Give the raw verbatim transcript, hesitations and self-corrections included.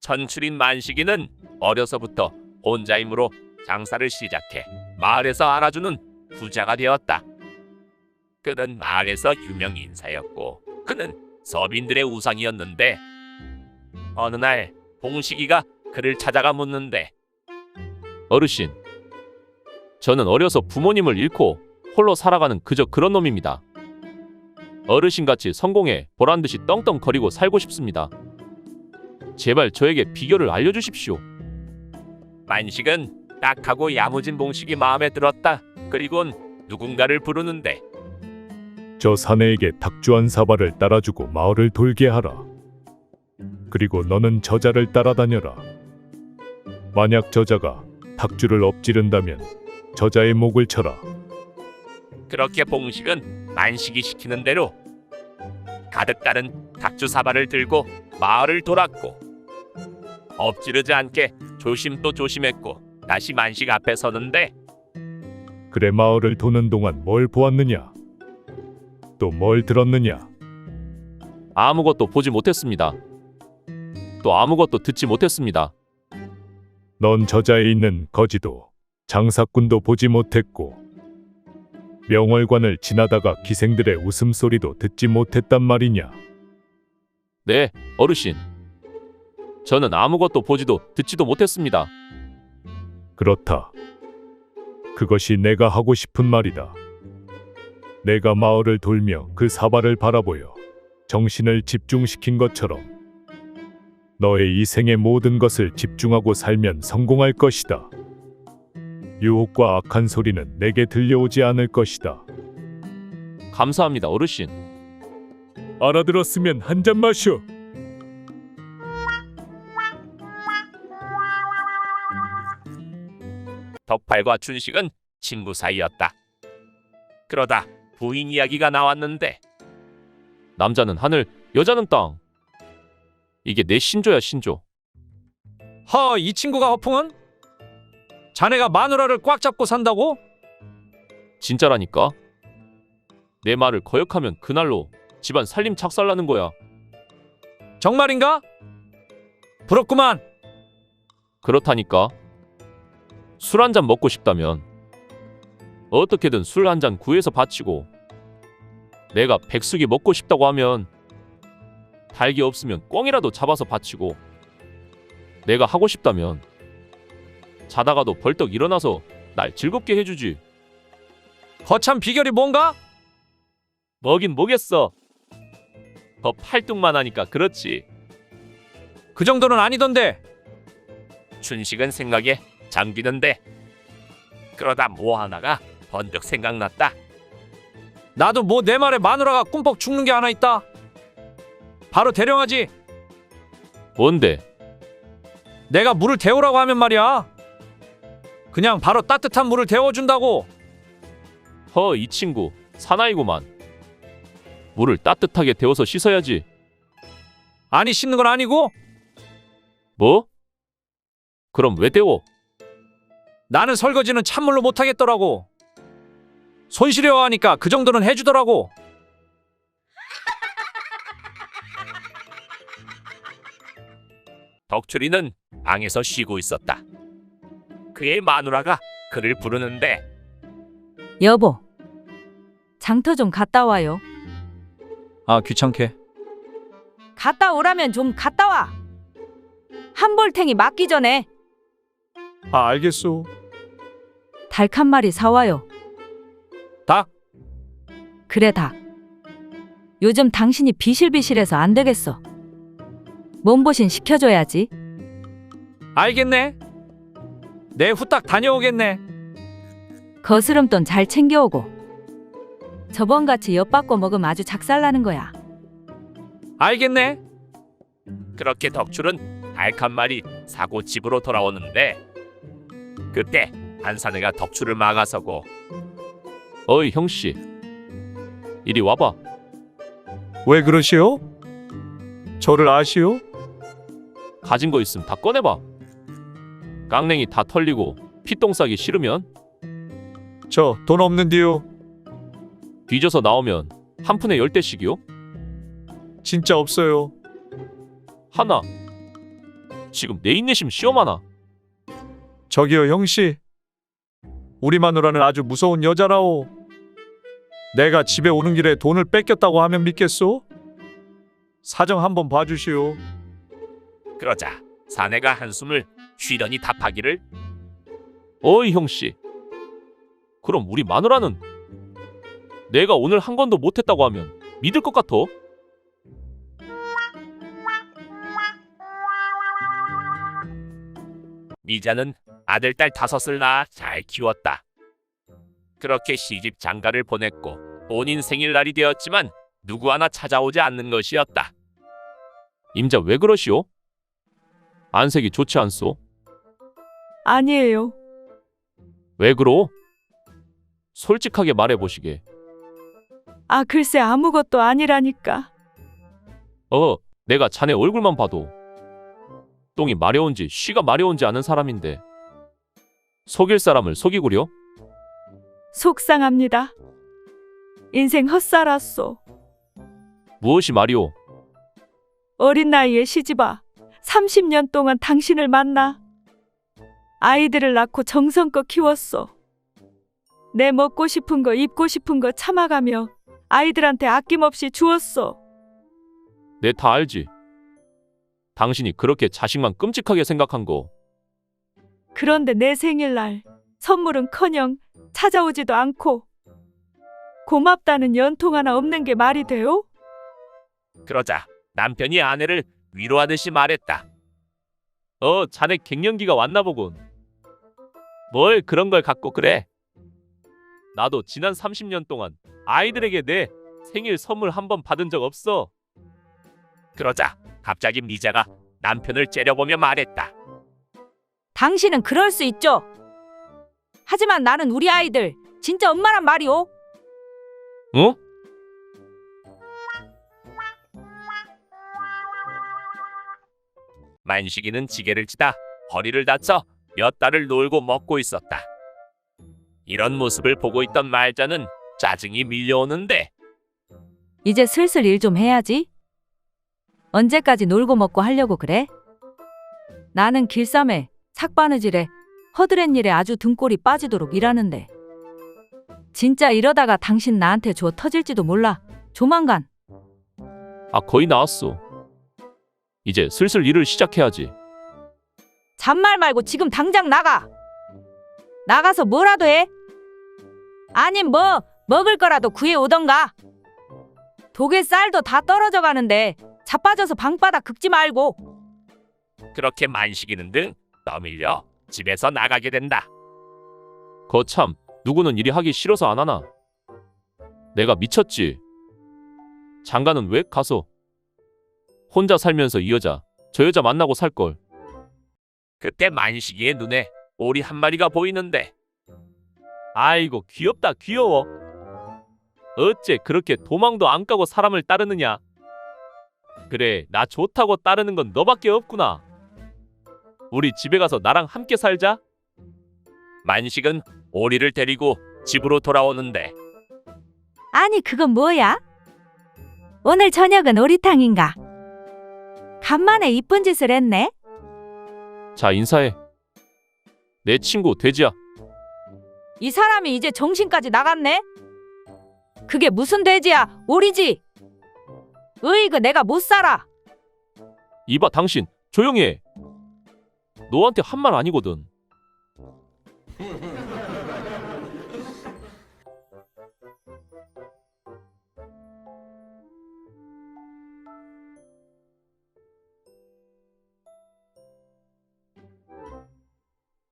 천출인 만식이는 어려서부터 혼자 힘으로 장사를 시작해 마을에서 알아주는 부자가 되었다. 그는 마을에서 유명 인사였고 그는 서민들의 우상이었는데 어느 날 봉식이가 그를 찾아가 묻는데 어르신, 저는 어려서 부모님을 잃고 홀로 살아가는 그저 그런 놈입니다. 어르신같이 성공해 보란듯이 떵떵거리고 살고 싶습니다. 제발 저에게 비결을 알려주십시오. 만식은 딱하고 야무진 봉식이 마음에 들었다. 그리곤 누군가를 부르는데 저 사내에게 닭주 한 사발을 따라주고 마을을 돌게 하라. 그리고 너는 저자를 따라다녀라. 만약 저자가 닭주를 엎지른다면 저자의 목을 쳐라. 그렇게 봉식은 만식이 시키는 대로 가득 따른 닭주 사발을 들고 마을을 돌았고 엎지르지 않게 조심 또 조심했고 다시 만식 앞에 서는데 그래, 마을을 도는 동안 뭘 보았느냐? 또 뭘 들었느냐? 아무것도 보지 못했습니다. 또 아무것도 듣지 못했습니다. 넌 저자에 있는 거지도 장사꾼도 보지 못했고 명월관을 지나다가 기생들의 웃음소리도 듣지 못했단 말이냐? 네, 어르신. 저는 아무것도 보지도 듣지도 못했습니다. 그렇다. 그것이 내가 하고 싶은 말이다. 내가 마을을 돌며 그 사발을 바라보여 정신을 집중시킨 것처럼 너의 이 생의 모든 것을 집중하고 살면 성공할 것이다. 유혹과 악한 소리는 내게 들려오지 않을 것이다. 감사합니다, 어르신. 알아들었으면 한 잔 마셔. 덕팔과 춘식은 친구 사이였다. 그러다 부인 이야기가 나왔는데 남자는 하늘, 여자는 땅. 이게 내 신조야, 신조. 허, 이 친구가 허풍은? 자네가 마누라를 꽉 잡고 산다고? 진짜라니까. 내 말을 거역하면 그날로 집안 살림 착살나는 거야. 정말인가? 부럽구만. 그렇다니까. 술 한 잔 먹고 싶다면 어떻게든 술 한 잔 구해서 바치고, 내가 백숙이 먹고 싶다고 하면 닭이 없으면 꿩이라도 잡아서 바치고, 내가 하고 싶다면 자다가도 벌떡 일어나서 날 즐겁게 해주지. 거참 비결이 뭔가? 뭐긴 뭐겠어. 더 팔뚝만 하니까 그렇지. 그 정도는 아니던데. 춘식은 생각에 잠기는데 그러다 뭐 하나가 번뜩 생각났다. 나도 뭐 내 말에 마누라가 꿈뻑 죽는 게 하나 있다. 바로 대령하지. 뭔데? 내가 물을 데우라고 하면 말이야. 그냥 바로 따뜻한 물을 데워준다고. 허, 이 친구 사나이구만. 물을 따뜻하게 데워서 씻어야지. 아니, 씻는 건 아니고 뭐? 그럼 왜 데워? 나는 설거지는 찬물로 못하겠더라고. 손시려워 하니까 그 정도는 해주더라고. 덕출이는 방에서 쉬고 있었다. 그의 마누라가 그를 부르는데 여보, 장터 좀 갔다 와요. 아, 귀찮게. 갔다 오라면 좀 갔다 와. 한볼탱이 맞기 전에 아, 알겠소. 닭 한 마리 사와요. 닭? 그래, 닭. 요즘 당신이 비실비실해서 안 되겠어. 몸보신 시켜줘야지. 알겠네. 내 후딱 다녀오겠네. 거스름돈 잘 챙겨오고. 저번같이 엿받고 먹으면 아주 작살나는 거야. 알겠네. 그렇게 덕출은 닭 한 마리 사고 집으로 돌아오는데 그때 한사내가 덕출을 막아서고 어이 형씨, 이리 와봐. 왜 그러시오? 저를 아시오? 가진 거 있음 다 꺼내봐. 깡냉이 다 털리고 피똥 싸기 싫으면 저 돈 없는데요. 뒤져서 나오면 한 푼에 열 대씩이요? 진짜 없어요. 하나, 지금 내 인내심 시험하나? 저기요 형씨, 우리 마누라는 아주 무서운 여자라오. 내가 집에 오는 길에 돈을 뺏겼다고 하면 믿겠소? 사정 한번 봐주시오. 그러자 사내가 한숨을 쉬더니 답하기를 어이 형씨. 그럼 우리 마누라는 내가 오늘 한 건도 못했다고 하면 믿을 것 같어? 미자는 아들 딸 다섯을 낳아 잘 키웠다. 그렇게 시집 장가를 보냈고 본인 생일날이 되었지만 누구 하나 찾아오지 않는 것이었다. 임자 왜 그러시오? 안색이 좋지 않소? 아니에요. 왜 그러? 솔직하게 말해보시게. 아, 글쎄 아무것도 아니라니까. 어, 내가 자네 얼굴만 봐도 똥이 마려운지 쉬가 마려운지 아는 사람인데 속일 사람을 속이구려? 속상합니다. 인생 헛살았소. 무엇이 말이오? 어린 나이에 시집와 삼십 년 동안 당신을 만나 아이들을 낳고 정성껏 키웠소. 내 먹고 싶은 거 입고 싶은 거 참아가며 아이들한테 아낌없이 주었소. 내 다 알지. 당신이 그렇게 자식만 끔찍하게 생각한 거. 그런데 내 생일날 선물은커녕 찾아오지도 않고 고맙다는 연통 하나 없는 게 말이 돼요? 그러자 남편이 아내를 위로하듯이 말했다. 어, 자네 갱년기가 왔나 보군. 뭘 그런 걸 갖고 그래? 나도 지난 삼십 년 동안 아이들에게 내 생일 선물 한 번 받은 적 없어. 그러자 갑자기 미자가 남편을 째려보며 말했다. 당신은 그럴 수 있죠. 하지만 나는 우리 아이들 진짜 엄마란 말이오. 어? 만식이는 지게를 치다 허리를 다쳐 몇 달을 놀고 먹고 있었다. 이런 모습을 보고 있던 말자는 짜증이 밀려오는데 이제 슬슬 일 좀 해야지. 언제까지 놀고 먹고 하려고 그래? 나는 길쌈에 삭바느질에 허드렛 일에 아주 등골이 빠지도록 일하는데 진짜 이러다가 당신 나한테 줘 터질지도 몰라. 조만간. 아, 거의 나왔어. 이제 슬슬 일을 시작해야지. 잔말 말고 지금 당장 나가. 나가서 뭐라도 해. 아님 뭐 먹을 거라도 구해 오던가. 독에 쌀도 다 떨어져 가는데 자빠져서 방바닥 긁지 말고. 그렇게 만식이는 등 떠밀려 집에서 나가게 된다. 거참, 누구는 일이 하기 싫어서 안 하나? 내가 미쳤지. 장가는 왜 가서 혼자 살면서 이 여자 저 여자 만나고 살걸. 그때 만식이의 눈에 오리 한 마리가 보이는데 아이고 귀엽다 귀여워. 어째 그렇게 도망도 안 가고 사람을 따르느냐. 그래, 나 좋다고 따르는 건 너밖에 없구나. 우리 집에 가서 나랑 함께 살자. 만식은 오리를 데리고 집으로 돌아오는데 아니 그건 뭐야? 오늘 저녁은 오리탕인가? 간만에 이쁜 짓을 했네. 자, 인사해. 내 친구 돼지야. 이 사람이 이제 정신까지 나갔네. 그게 무슨 돼지야? 오리지. 으이그 내가 못 살아. 이봐 당신 조용히 해. 너한테 한 말 아니거든.